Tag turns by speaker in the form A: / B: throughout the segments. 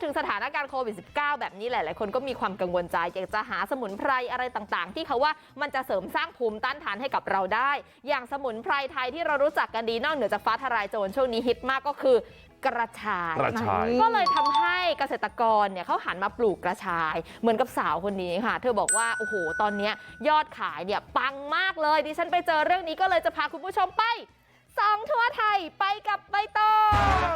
A: ถึงสถานการณ์โควิด -19 แบบนี้หลายๆคนก็มีความกังวลใจอยากจะหาสมุนไพรอะไรต่างๆที่เขาว่ามันจะเสริมสร้างภูมิต้านทานให้กับเราได้อย่างสมุนไพรไทยที่เรารู้จักกันดีนอกเหนือจากฟ้าทลายโจรช่วงนี้ฮิตมากก็คือกระชายก็เลยทำให้เกษตรกรเนี่ยเขาหันมาปลูกกระชายเหมือนกับสาวคนนี้ค่ะเธอบอกว่าโอ้โหตอนนี้ยอดขายเนี่ยปังมากเลยดิฉันไปเจอเรื่องนี้ก็เลยจะพาคุณผู้ชมไปส่องทั่วไทยไปกับใบตอง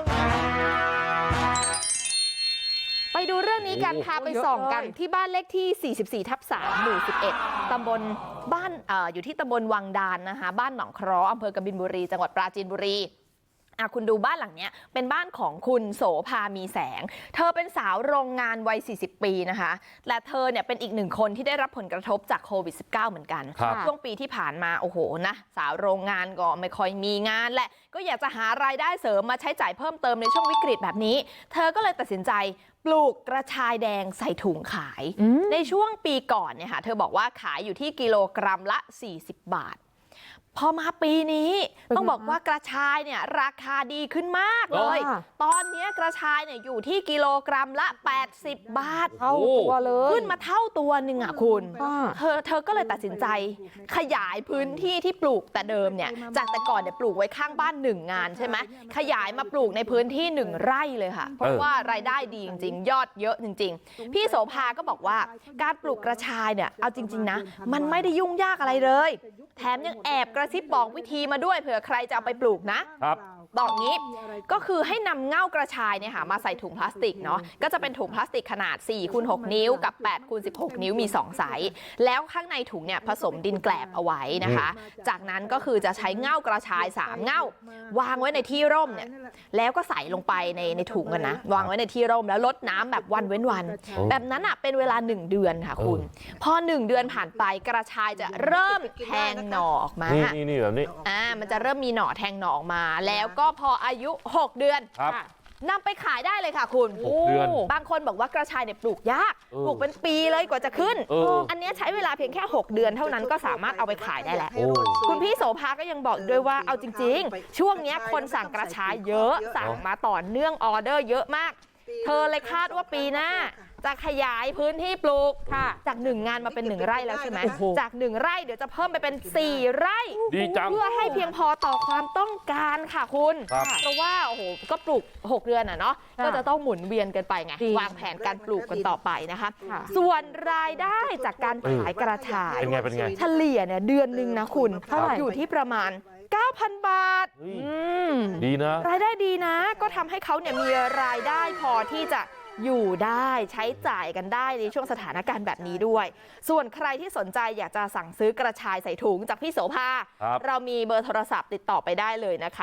A: ไปดูเรื่องนี้กันพาไปส่องกันที่บ้านเลขที่ 44/3 หมู่ 11 ตำบลบ้านอยู่ที่ตำบลวังดานนะคะบ้านหนองเคราะห์อำเภอกบินบุรีจังหวัดปราจีนบุรีคุณดูบ้านหลังนี้เป็นบ้านของคุณโสภามีแสงเธอเป็นสาวโรงงานวัย 40 ปีนะคะและเธอเนี่ยเป็นอีกหนึ่งคนที่ได้รับผลกระทบจากโควิด -19 เหมือนกันช่วงปีที่ผ่านมาโอ้โหนะสาวโรงงานก็ไม่ค่อยมีงานแหละก็อยากจะหารายได้เสริมมาใช้จ่ายเพิ่มเติมในช่วงวิกฤตแบบนี้เธอก็เลยตัดสินใจปลูกกระชายแดงใส่ถุงขายในช่วงปีก่อนเนี่ยค่ะเธอบอกว่าขายอยู่ที่กิโลกรัมละ40 บาทพอมาปีนี้ต้องบอกว่ากระชายเนี่ยราคาดีขึ้นมากเลยตอนนี้กระชายเนี่ยอยู่ที่กิโลกรัมละ80 บาทเท่าตัวเลยขึ้นมาเท่าตัวหนึ่งอ่ะคุณเธอก็เลยตัดสินใจขยายพื้นที่ที่ปลูกแต่เดิมเนี่ยจากแต่ก่อนเนี่ยปลูกไว้ข้างบ้าน1 งานใช่ไหมขยายมาปลูกในพื้นที่1 ไร่เลยค่ะเพราะว่ารายได้ดีจริงๆยอดเยอะจริงๆพี่โสภาก็บอกว่าการปลูกกระชายเนี่ยเอาจริงๆนะมันไม่ได้ยุ่งยากอะไรเลยแถมยังแอบกระซิบบอกวิธีมาด้วยเผื่อใครจะเอาไปปลูกนะครับบอกงี้ก็คือให้นำเง่ากระชายเนี่ยค่ะมาใส่ถุงพลาสติกเนาะก็จะเป็นถุงพลาสติกขนาด 4x6 นิ้วกับ 8x16 นิ้วมี2 ไซส์แล้วข้างในถุงเนี่ยผสมดินแกลบเอาไว้นะคะจากนั้นก็คือจะใช้เง่ากระชาย3 เง่าวางไว้ในที่ร่มเนี่ยแล้วก็ใส่ลงไปในถุงกันนะวางไว้ในที่ร่มแล้วลดน้ำแบบวันเว้นวันแบบนั้นอ่ะเป็นเวลา1 เดือนค่ะคุณพอ1 เดือนผ่านไปกระชายจะเริ่มแทงหน่อออกมา
B: นี่แบบนี้
A: มันจะเริ่มมีหน่อแทงหน่อออกมาแล้วก็พออายุ6 เดือนนำไปขายได้เลยค่ะคุณ
B: 6 เดือน
A: บางคนบอกว่ากระชายเนี่ยปลูกยากปลูกเป็นปีเลยกว่าจะขึ้นอันนี้ใช้เวลาเพียงแค่6 เดือนเท่านั้นก็สามารถเอาไปขายได้แล้วคุณพี่โสภาก็ยังบอกด้วยว่าเอาจริงๆช่วงนี้คนสั่งกระชายเยอะสั่งมาต่อเนื่องออเดอร์เยอะมากเธอเลยคาดว่าปีหน้าจะขยายพื้นที่ปลูกจาก1 งานมาเป็น1 ไร่แล้วใช่ไหมจาก1 ไร่เดี๋ยวจะเพิ่มไปเป็น4 ไร่เพื่อให้เพียงพอต่อความต้องการค่ะคุณเพราะว่าโอ้โหก็ปลูก6 เดือนอ่ะเนาะก็จะต้องหมุนเวียนกันไปไงวางแผนการปลูกกันต่อไปนะคะส่วนรายได้จากการขายกระชาย
B: เป็นไง
A: เฉลี่ยเนี่ยเดือนหนึ่งนะคุณอยู่ที่ประมาณ9,000 บาท
B: ดีนะ
A: รายได้ดีนะก็ทำให้เขาเนี่ยมีรายได้พอที่จะอยู่ได้ใช้จ่ายกันได้ในช่วงสถานการณ์แบบนี้ด้วยส่วนใครที่สนใจอยากจะสั่งซื้อกระชายใส่ถุงจากพี่โสภาเรามีเบอร์โทรศัพท์ติดต่อไปได้เลยนะคะ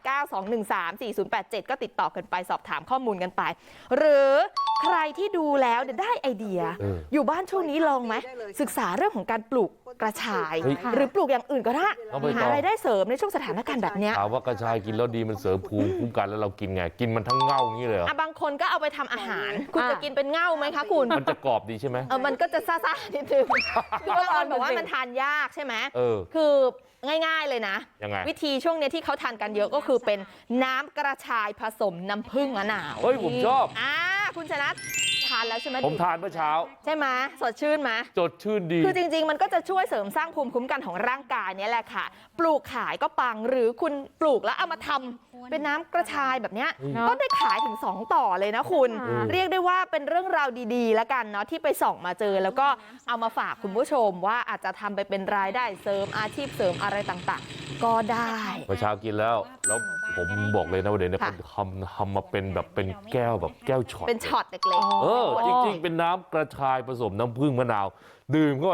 A: 0892134087ก็ติดต่อกันไปสอบถามข้อมูลกันไปหรือใครที่ดูแล้วได้ไอเดียอยู่บ้านช่วงนี้ลองไหมศึกษาเรื่องของการปลูกกระชายหรือปลูกอย่างอื่นก็ได้หารายได้เสริมในช่วงสถานการณ์แบบนี้
B: ถามว่ากระชายกินแล้วดีมันเสริมภูมิคุ้มกันแล้วเรากินไงกินมันทั้งเง่าอย่างนี้เลย
A: บางคนก็เอาไปทำอาหารคุณจะกินเป็นเง่าไหมคะคุณ
B: มันจะกรอบดีใช่ไหม
A: มันก็จะซ่าๆนิดนึงคือบางคนบอกว่ามันทานยากใช่ไหมคือง่ายๆเลยนะวิธีช่วงนี้ที่เขาทานกันเยอะก็คือเป็นน้ำกระชายผสมน้ำผึ้งมะนาว
B: เฮ้ยผมชอบ
A: คุณชนะทานแล้วใช่ไหม
B: ผมทานเมื่อเช้า
A: ใช่ไหมสดชื่นไหม
B: สดชื่นดี
A: คือจริงๆมันก็จะช่วยเสริมสร้างภูมิคุ้มกันของร่างกายนี่แหละค่ะปลูกขายก็ปังหรือคุณปลูกแล้วเอามาทำเป็นน้ำกระชายแบบนี้ก็ได้ขายถึง2 ต่อเลยนะคุณเรียกได้ว่าเป็นเรื่องราวดีๆแล้วกันเนาะที่ไปส่องมาเจอแล้วก็เอามาฝากคุณผู้ชมว่าอาจจะทำไปเป็นรายได้เสริมอาชีพเสริมอะไรต่างๆก็ได้
B: เมื่อเช้ากินแล้วผมบอกเลยนะว่าเดี๋ยวนี้เขาทำมาเป็นแบบเป็นแก้วแบบแก้วช็อต
A: เป็นช็อตเล็ก
B: ๆจริงๆเป็นน้ำกระชายผสมน้ำผึ้งมะนาวดื่มเข้าไป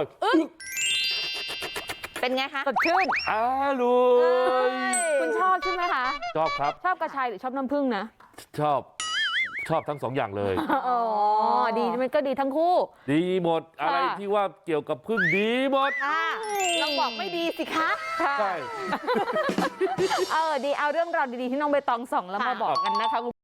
A: เป็นไงคะ
B: สดชื่นลุย
C: คุณชอบใช่ไหมคะ
B: ชอบครับ
C: ชอบกระชายหรือชอบน้ำผึ้งนะ
B: ชอบทั้ง2 อย่างเลย
C: ดีมันก็ดีทั้งคู่
B: ดีหมดอะไรที่ว่าเกี่ยวกับผึ้งดีหมด
A: ลองบอกไม่ดีสิคะ
B: ใช่
C: ดีเอาเรื่องราวดีๆที่น้องใบตองส่องแล้วมาบอกกันนะคะ